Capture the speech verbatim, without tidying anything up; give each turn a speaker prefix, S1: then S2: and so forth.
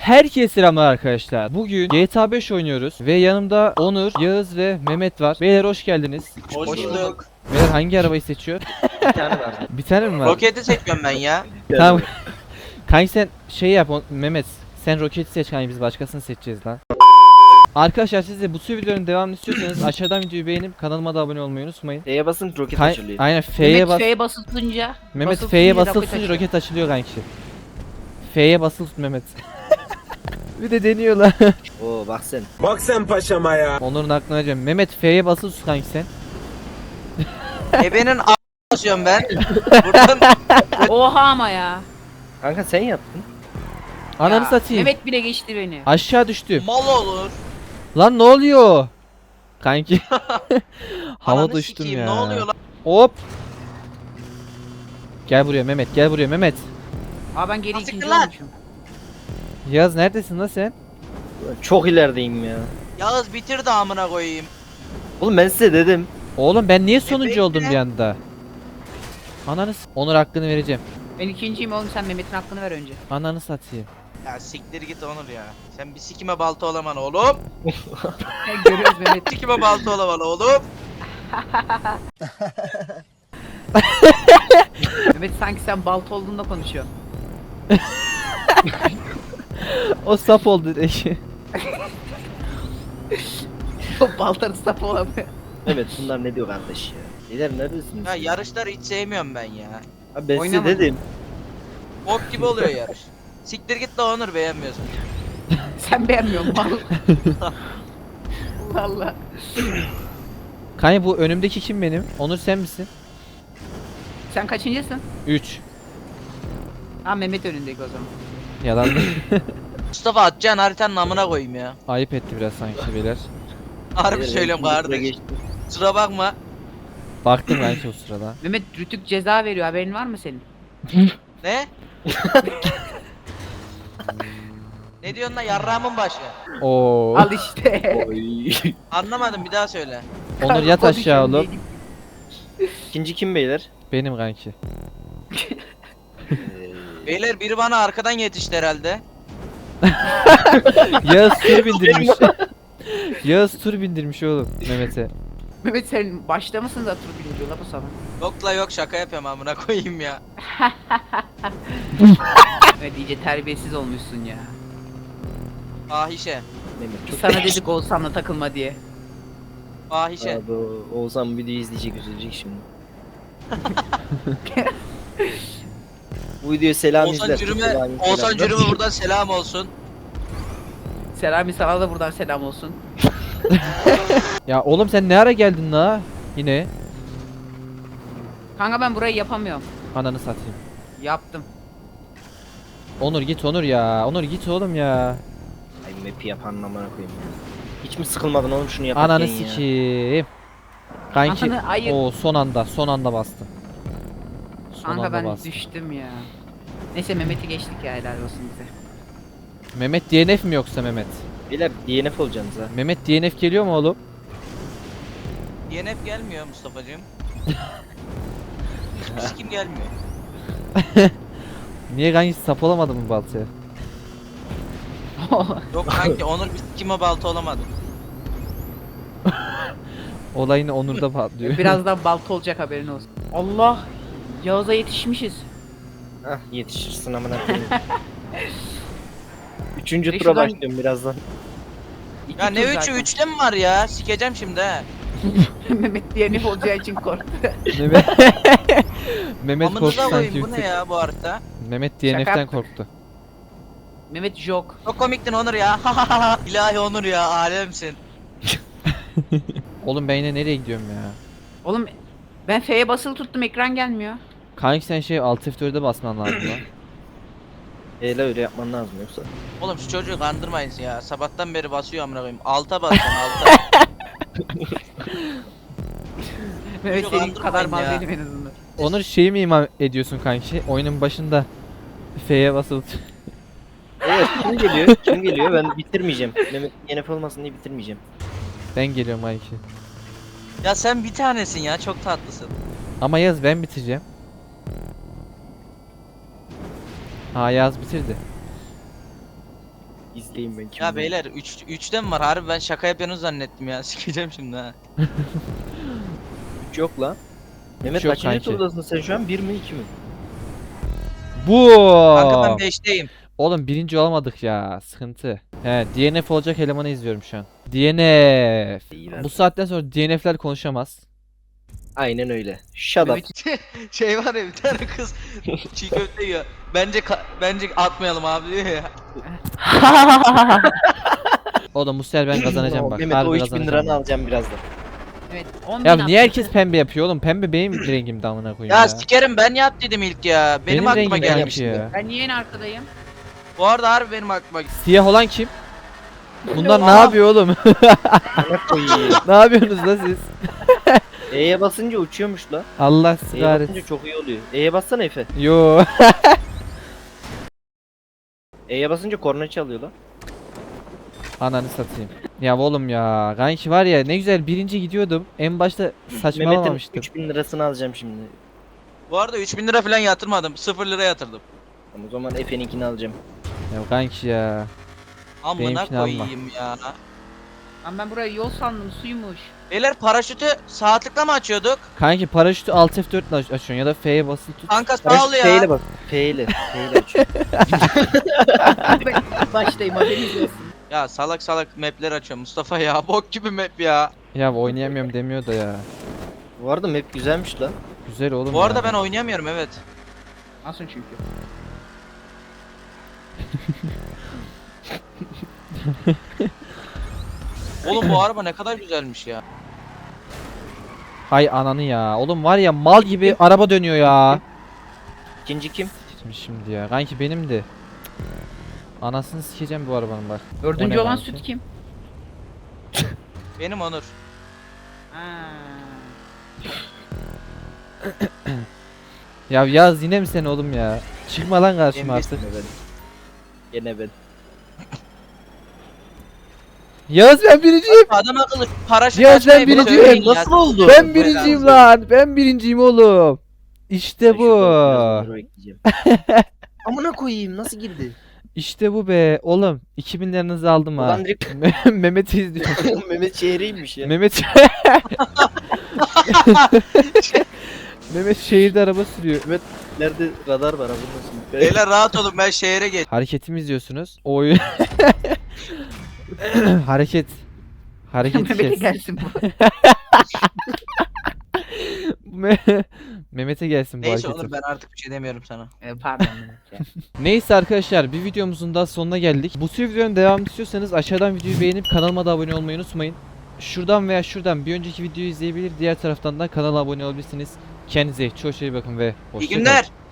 S1: Herkese selamlar arkadaşlar. Bugün G T A beş oynuyoruz ve yanımda Onur, Yağız ve Mehmet var. Beyler hoş geldiniz.
S2: Hoş bulduk.
S1: Beyler hangi arabayı seçiyor?
S3: Bir tane var.
S1: Bir tane mi var?
S2: Roketi seçiyorum ben ya.
S1: Tamam. Kanki sen şey yap on- Mehmet. Sen roketi seç kanki, biz başkasını seçeceğiz lan. Arkadaşlar siz de bu tür videoların devamını istiyorsanız aşağıdan videoyu beğenip kanalıma da abone olmayı unutmayın.
S3: F'ye basın roket
S1: Kay-
S3: açılıyor.
S1: Aynen F'ye
S4: Mehmet
S1: bas.
S4: F'ye basılınca
S1: Mehmet
S4: basılı
S1: F'ye
S4: tutunca
S1: basılı
S4: roket
S1: tutunca
S4: açıyor.
S1: roket açılıyor kanki. F'ye basılı tut Mehmet. Bir de deniyorlar.
S3: Oo bak sen.
S5: Bak sen paşama ya.
S1: Onur'un aklına geleceğim. Mehmet F'ye basılı tut kanki sen.
S2: Ebenin a** basıyorum ben. Buradan
S4: Oha ama ya.
S3: Kanka sen yaptın.
S1: Ananı
S4: Ya,
S1: satayım.
S4: Mehmet bile geçti beni.
S1: Aşağı düştüm.
S2: mal olur.
S1: Lan ne oluyor? Kanki. Hava
S2: Ananı
S1: düştüm
S2: sikeyim,
S1: ya.
S2: Ne oluyor lan?
S1: Hop. Gel buraya Mehmet, gel buraya Mehmet.
S4: Aa ben geri
S2: Nasıl
S4: ikinci
S2: lan?
S4: olmuşum.
S1: Yaz neredesin lan sen?
S3: Çok ilerideyim ya.
S2: Yağız bitir de amına koyayım.
S3: Oğlum ben size dedim.
S1: Oğlum ben niye sonuncu
S2: bekle.
S1: oldum bir anda? Ananı s- Onur hakkını vereceğim.
S4: Ben ikinciyim oğlum, sen Mehmet'in hakkını ver önce.
S1: Ananı satayım.
S2: Ya siktir git Onur ya. Sen bir sikime balta olaman oğlum.
S4: Görüyoruz Mehmet.
S2: Sikime balta olaman oğlum.
S4: Mehmet sanki sen balta olduğunda konuşuyorsun.
S1: O sap oldu direkt.
S4: O baltanın sapı olamıyor.
S3: Evet bunlar ne diyor kardeş ya. Lider neredesiniz?
S2: Ya yarışları hiç sevmiyorum ben ya.
S3: Abi ben size
S4: Oynamadım.
S3: dedim.
S2: Bok gibi oluyor yarış. Siktir git de Onur beğenmiyorsun.
S4: Sen beğenmiyorsun mal. Allah Allah.
S1: Kanka bu önümdeki kim benim? Onur sen misin?
S4: Sen kaçıncısın?
S1: üç.
S4: Ha Mehmet önündeki o zaman.
S1: Yalan.
S2: Mustafa atacaksın haritanın amına koyayım ya.
S1: Ayıp etti biraz sanki beyler.
S2: Harbi
S3: Lider,
S2: söylüyorum
S3: ben
S2: kardeş.
S3: geçtim.
S2: Kusura bakma.
S1: Baktım kanki o sırada.
S4: Mehmet Rütük ceza veriyor, haberin var mı senin?
S2: Ne? Ne diyorsun lan yarrağımın başı?
S1: Oo.
S4: Al işte.
S3: Oy.
S2: Anlamadım bir daha söyle.
S1: Onur yat aşağı
S4: Konuşuyorum
S1: oğlum.
S4: diye.
S3: İkinci kim beyler?
S1: Benim kanki.
S2: Beyler biri bana arkadan yetişti herhalde.
S1: Yağız tur bindirmiş. Yağız tur bindirmiş oğlum Mehmet'e.
S4: Mehmet sen başta mısın da tur birinci la bu sabah?
S2: Yok la yok şaka yapıyorum amına koyayım ya.
S4: Evet iyice terbiyesiz olmuşsun ya.
S2: Fahişe.
S3: Mehmet
S4: Biz
S3: çok
S4: sana dedik Oğuzhan'la takılma diye.
S2: Fahişe.
S3: Abi o- Oğuzhan videoyu izleyecek, üzülecek şimdi. Bu videoya selam
S2: Oğuzhan
S3: izler.
S2: Cürüm'e,
S3: Selam,
S2: Oğuzhan
S3: selam.
S2: Cürüm'e buradan selam olsun.
S4: Selami sana da buradan selam olsun.
S1: Ya oğlum sen ne ara geldin la? Yine.
S4: Kanka ben burayı yapamıyorum.
S1: Ananı satayım.
S4: Yaptım.
S1: Onur git Onur ya. Onur git oğlum ya.
S3: Ay map'i yapan amına koyayım ya. Hiç mi sıkılmadın oğlum şunu yaparken
S1: Ananı
S3: ya?
S1: sikeyim. Kanki
S4: Ananı hayır.
S1: o son anda son anda bastım. Son
S4: Kanka
S1: anda
S4: ben
S1: bastım.
S4: düştüm ya. Neyse Mehmet'i geçtik ya, helal olsun bize.
S1: Mehmet D N F mi yoksa Mehmet?
S3: Beyler D N F olacaksınız ha.
S1: Mehmet D N F geliyor mu oğlum?
S2: D N F gelmiyor Mustafa'cığım. Hiçbir sikim gelmiyor.
S1: Niye kanki sap olamadı mı baltaya?
S2: Yok kanki Onur bir sikime balta olamadı.
S1: Olayını Onur'da patlıyor.
S4: Birazdan balta olacak, haberin olsun. Allah! Yağız'a yetişmişiz.
S3: Hah yetişirsin amına koyayım. Üçüncü
S4: Ve
S3: tura
S4: şuradan-
S3: başlıyorum birazdan.
S4: İki
S2: Ya
S4: tur
S2: ne üçü
S4: zaten.
S2: üçte mi var ya? Sikeceğim şimdi he.
S4: Mehmet D N F olacağı için korktu.
S1: Mehmet Mehmet korktu
S2: Amınıza
S1: sanki
S2: koyayım
S1: bir
S2: bu ne
S1: tık.
S2: ya bu harita?
S1: Mehmet D N
S4: Şaka
S1: F'den
S4: yaptık.
S1: korktu.
S4: Mehmet jok.
S2: Çok komiktin Onur ya. İlahi Onur ya alemsin.
S1: Oğlum ben yine nereye gidiyorum ya?
S4: Oğlum ben F'ye basılı tuttum, ekran gelmiyor.
S1: Kanki sen şey Alt F dört'e basman lazım lan.
S3: Eyle öyle yapman lazım yoksa.
S2: Oğlum şu çocuğu kandırmayın ya. Sabahtan beri basıyor amına koyayım. Alta basacaksın alta.
S4: Mehmet
S2: Yok,
S4: senin kadar mal
S2: andırmayın ya.
S4: değilim en azından.
S1: Onur şeyi mi ima ediyorsun kanki? Oyunun başında F'ye basılı tut-
S3: Evet kim geliyor? Kim geliyor? Ben bitirmeyeceğim. Mehmet D N F olmasın diye bitirmeyeceğim.
S1: Ben geliyorum kanki.
S2: Ya sen bir tanesin ya çok tatlısın.
S1: Ama Yaz ben bitireceğim. Ha Yaz bitirdi.
S3: İzleyin ben kim.
S2: Ya beyler üç üçte mi var? Harbi ben şaka yapıyorsunuz zannettim ya. Sikeceğim şimdi ha.
S3: Üç yok lan. Mehmet
S1: yok
S3: kaçıncı
S1: kanki.
S3: turdasın sen şu an? Bir mi iki mi?
S1: Bu.
S2: Kanka ben beşteyim.
S1: Oğlum birinci olamadık ya. Sıkıntı. He, D N F olacak elemanı izliyorum şu an. D N F.
S3: İyiler.
S1: Bu saatten sonra D N F'ler konuşamaz.
S3: Aynen öyle. Shut up.
S2: Şey var ya bir tane kız çiğ köfte yiyor. Bence ka- bence atmayalım abi diyor ya.
S1: Oğlum bu sefer ben kazanacağım bak.
S3: Mehmet
S1: Harbi
S3: o üç bin
S1: kazanacağım
S3: liranı
S1: ben.
S3: alacağım birazdan.
S4: Evet. on
S1: Ya
S4: bin
S1: niye
S4: atmışsın.
S1: herkes pembe yapıyor oğlum? Pembe benim rengimde amına koyayım
S2: Ya
S1: ya.
S2: sikerim ben yap dedim ilk ya. Benim,
S1: Benim
S2: aklıma
S1: rengim
S3: gelmiş
S1: benimki
S2: gelmişti.
S1: ya.
S4: Ben niye en arkadayım?
S2: Bu arada harbi benim aklıma geldi.
S1: Siyah olan kim? Bunlar ne
S2: Aa.
S1: yapıyor oğlum?
S3: Bana koyayım.
S1: Ne yapıyorsunuz la siz?
S3: E'ye basınca uçuyormuş la.
S1: Allah
S3: E'ye
S1: sigaret.
S3: basınca çok iyi oluyor. E'ye bassana Efe.
S1: Yo.
S3: E'ye basınca korna çalıyor la.
S1: Ananı satayım. Ya oğlum ya. Kanki var ya ne güzel birinci gidiyordum. En başta
S3: Mehmet'in
S1: saçmalamamıştım.
S3: üç bin lirasını alacağım şimdi.
S2: Bu arada üç bin lira falan yatırmadım. sıfır lira yatırdım.
S3: Tamam, o zaman Efe'ninkini alacağım.
S1: Ya kanki ya.
S2: Amına
S1: Benimkini alma.
S2: koyayım ya.
S4: Lan ben burayı yol sandım suymuş.
S2: Beyler paraşütü saatlikle mi açıyorduk?
S1: Kanki paraşütü Alt F dört ile aç- açıyorsun ya da F'ye basılı tut.
S2: Kanka sağ ol
S3: Paraşüt F ile
S2: ya.
S3: bak. F ile. F ile açıyor.
S4: Baştayım haberiniz olsun.
S2: Ya salak salak mapler açıyor Mustafa ya. Bok gibi map ya.
S1: Ya oynayamıyorum demiyor da ya.
S3: Bu arada map güzelmiş lan.
S1: Güzel oğlum
S2: Bu arada
S1: ya.
S2: ben oynayamıyorum evet.
S4: Nasıl çünkü?
S2: Oğlum bu araba ne kadar güzelmiş ya.
S1: Hay ananı ya. Oğlum var ya mal gibi araba dönüyor ya.
S3: İkinci kim?
S1: Şimdi şimdi ya. Kanki benim de. Anasını sikeceğim bu arabanın bak. O
S4: Dördüncü
S1: ne
S4: olan
S1: kanki?
S4: süt kim?
S2: Benim Onur.
S4: Ha.
S1: Ya Yaz yine mi sen oğlum ya? Çıkma lan karşıma
S2: Benim
S1: artık.
S3: Gene ben. Gene ben.
S1: Yaz ben birinciyim.
S2: Adam akıllı paraşüt
S1: Ya
S2: açmayı
S1: sen
S2: bir
S1: birinciyim.
S2: söyleyin ya.
S3: Nasıl oldu?
S1: Ben birinciyim lan. Ben birinciyim oğlum. İşte
S3: Ben
S1: bu.
S3: şurada biraz onları bekleyeceğim. Amına koyayım nasıl girdi?
S1: İşte bu be. Oğlum iki bin liranızı aldım ha.
S3: Ulan direkt
S1: Mehmet'i izliyorum.
S3: Mehmet şehriymiş ya.
S1: Mehmet Mehmet şehirde araba sürüyor.
S3: Nerede radar var abi nasıl?
S2: Beyler rahat olun ben şehre geç.
S1: Hareketimi izliyorsunuz. Oyun. Hareket. Hareket
S4: Mehmet'e
S1: kes.
S4: gelsin bu.
S1: Me- Mehmet'e gelsin bu
S2: Neyse
S1: hareket.
S2: Onur ben artık bir şey demiyorum sana.
S4: Ee, pardon Mehmet ya.
S1: Neyse arkadaşlar bir videomuzun da sonuna geldik. Bu tür videonun devamını istiyorsanız aşağıdan videoyu beğenip kanalıma da abone olmayı unutmayın. Şuradan veya şuradan bir önceki videoyu izleyebilir. Diğer taraftan da kanala abone olabilirsiniz. Kendinize çok iyi bakın ve
S2: İyi
S1: hoşça kalın.
S2: günler.